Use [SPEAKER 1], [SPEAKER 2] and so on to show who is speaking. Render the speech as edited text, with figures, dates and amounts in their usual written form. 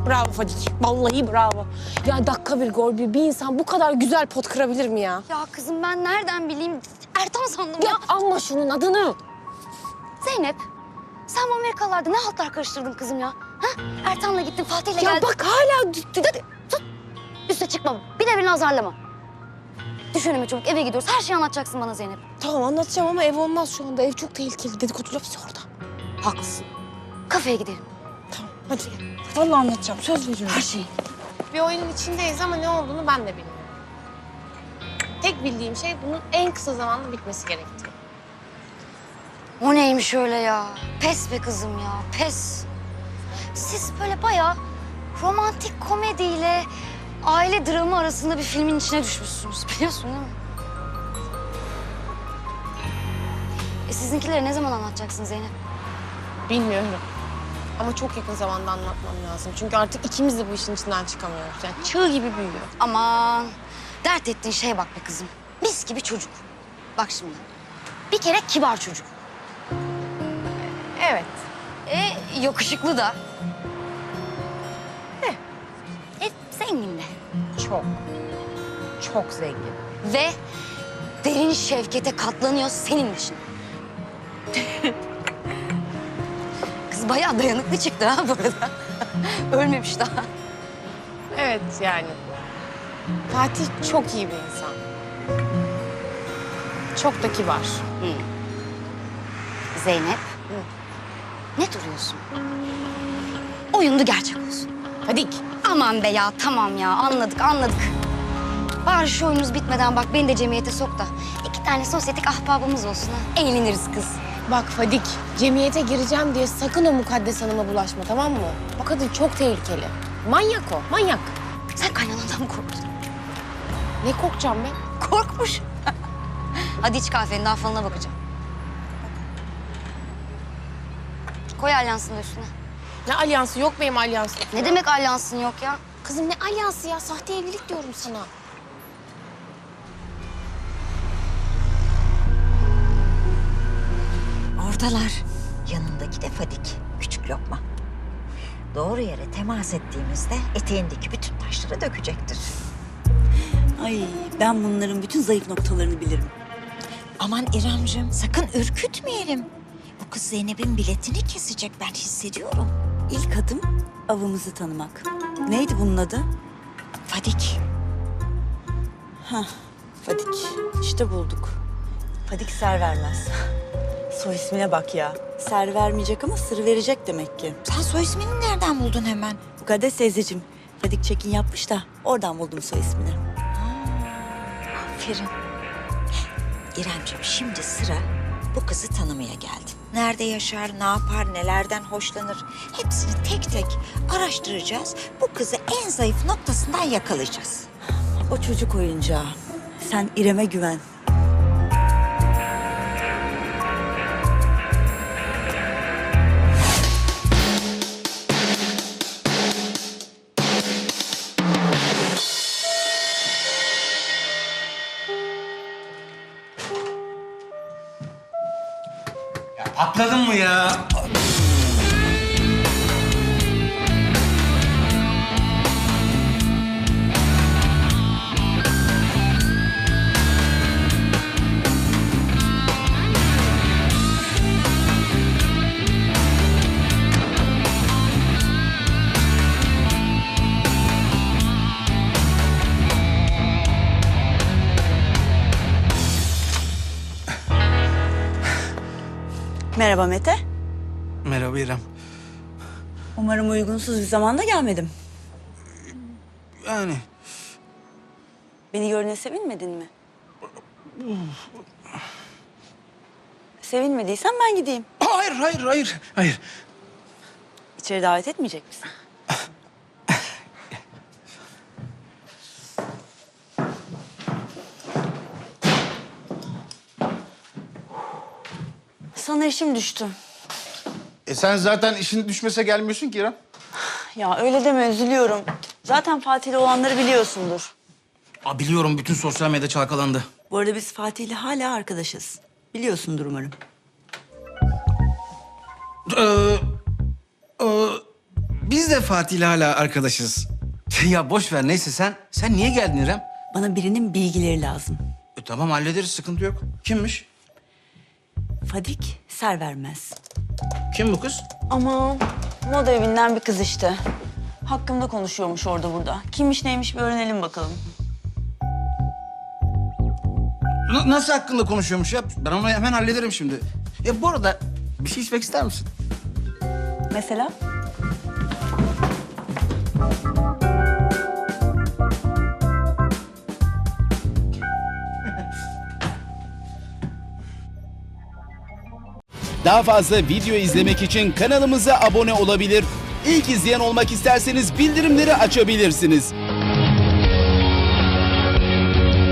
[SPEAKER 1] Bravo Fadik. Vallahi bravo. Ya dakika bir gol bir insan bu kadar güzel pot kırabilir mi ya?
[SPEAKER 2] Ya kızım ben nereden bileyim? Ertan sandım
[SPEAKER 1] Ya
[SPEAKER 2] ya.
[SPEAKER 1] anma şunun adını.
[SPEAKER 2] Zeynep, sen bu Amerikalılarda ne haltlar karıştırdın kızım ya? Ha? Ertan'la gittin, Fatih'le geldin.
[SPEAKER 1] Ya bak hala...
[SPEAKER 2] Hadi tut. Üste çıkma. Bir de beni azarlama. Düş önüme çabuk, eve gidiyoruz. Her şeyi anlatacaksın bana Zeynep.
[SPEAKER 1] Tamam anlatacağım ama ev olmaz şu anda. Ev çok tehlikeli. Dedikodular hepsi orada.
[SPEAKER 2] Haklısın. Kafeye gidelim.
[SPEAKER 1] Tamam hadi. Vallahi anlatacağım. Söz veriyorum.
[SPEAKER 2] Her şeyi.
[SPEAKER 1] Bir oyunun içindeyiz ama ne olduğunu ben de bilmiyorum. Tek bildiğim şey bunun en kısa zamanda bitmesi gerektiği.
[SPEAKER 2] O neymiş öyle ya? Pes be kızım ya, pes. Siz böyle bayağı romantik komediyle aile dramı arasında bir filmin içine düşmüşsünüz. Biliyorsun değil mi? Sizinkileri ne zaman anlatacaksın Zeynep?
[SPEAKER 1] Bilmiyorum. Ama çok yakın zamanda anlatmam lazım. Çünkü artık ikimiz de bu işin içinden çıkamıyoruz. Yani çığ gibi büyüyor.
[SPEAKER 2] Aman, dert ettiğin şeye bak be kızım. Mis gibi çocuk. Bak şimdi, bir kere kibar çocuk.
[SPEAKER 1] Evet.
[SPEAKER 2] Yakışıklı da. Zengin de.
[SPEAKER 1] Çok. Çok zengin.
[SPEAKER 2] Ve derin şefkete katlanıyor senin için. Kız bayağı dayanıklı çıktı ha bu arada. Ölmemiş daha.
[SPEAKER 1] Evet yani. Fatih çok iyi bir insan. Çok da kibar.
[SPEAKER 2] Zeynep. Ne duruyorsun? Oyundu gerçek olsun.
[SPEAKER 1] Fadik.
[SPEAKER 2] Aman be ya, tamam ya. Anladık. Bari şu oyunumuz bitmeden bak beni de cemiyete sok da 2 tane sosyetik ahbabımız olsun ha. Eğleniriz kız.
[SPEAKER 1] Bak Fadik, cemiyete gireceğim diye sakın o Mukaddes Hanım'a bulaşma tamam mı? O kadın çok tehlikeli. Manyak o, manyak.
[SPEAKER 2] Sen kaynanandan mı korktun?
[SPEAKER 1] Ne korkacağım ben?
[SPEAKER 2] Korkmuş. Hadi iç kahvenin daha falına bakacağım. Koy alyansını da üstüne.
[SPEAKER 1] Ne alyansı yok benim alyansım.
[SPEAKER 2] Ne demek alyansın yok ya?
[SPEAKER 1] Kızım ne alyansı ya? Sahte evlilik diyorum sana.
[SPEAKER 3] Oradalar. Yanındaki de Fadik. Küçük lokma. Doğru yere temas ettiğimizde eteğindeki bütün taşları dökecektir.
[SPEAKER 4] Ay ben bunların bütün zayıf noktalarını bilirim.
[SPEAKER 3] Aman İremciğim sakın ürkütmeyelim. Bu kız Zeynep'in biletini kesecek ben hissediyorum.
[SPEAKER 4] İlk adım avımızı tanımak. Neydi bunun adı?
[SPEAKER 3] Fadik.
[SPEAKER 4] Hah, Fadik. İşte bulduk. Fadik ser vermez. Soy ismine bak ya. Ser vermeyecek ama sır verecek demek ki.
[SPEAKER 3] Sen soy ismini nereden buldun hemen?
[SPEAKER 4] Mukaddes teyzeciğim, Fadik check-in yapmış da oradan buldum soy ismini.
[SPEAKER 3] Aferin. İremciğim şimdi sıra bu kızı tanımaya geldi. Nerede yaşar, ne yapar, nelerden hoşlanır hepsini tek tek araştıracağız. Bu kızı en zayıf noktasından yakalayacağız.
[SPEAKER 4] O çocuk oyuncağı. Sen İrem'e güven.
[SPEAKER 5] Ya patladın mı ya?
[SPEAKER 4] Merhaba Mete.
[SPEAKER 5] Merhaba İrem.
[SPEAKER 4] Umarım uygunsuz bir zamanda gelmedim.
[SPEAKER 5] Yani
[SPEAKER 4] Beni görüne sevinmedin mi? Sevinmediysen ben gideyim.
[SPEAKER 5] hayır.
[SPEAKER 4] İçeri davet etmeyecek misin? Sana işim düştü.
[SPEAKER 6] Sen zaten işin düşmese gelmiyorsun ki İrem.
[SPEAKER 4] Ya öyle deme, üzülüyorum. Zaten Fatih'le olanları biliyorsundur.
[SPEAKER 5] Biliyorum bütün sosyal medya çalkalandı.
[SPEAKER 4] Bu arada biz Fatih'le hala arkadaşız. Biliyorsundur umarım.
[SPEAKER 5] Biz de Fatih'le hala arkadaşız. Ya boş ver neyse sen niye geldin İrem?
[SPEAKER 4] Bana birinin bilgileri lazım.
[SPEAKER 5] Tamam hallederiz sıkıntı yok. Kimmiş?
[SPEAKER 4] Fadik Servermez.
[SPEAKER 5] Kim bu kız?
[SPEAKER 4] Ama moda evinden bir kız işte. Hakkımda konuşuyormuş orada burada. Kimmiş neymiş bir öğrenelim bakalım.
[SPEAKER 5] Nasıl hakkında konuşuyormuş ya? Ben onu hemen hallederim şimdi. Bu arada bir şey içmek ister misin?
[SPEAKER 4] Mesela?
[SPEAKER 7] Daha fazla video izlemek için kanalımıza abone olabilir. İlk izleyen olmak isterseniz bildirimleri açabilirsiniz.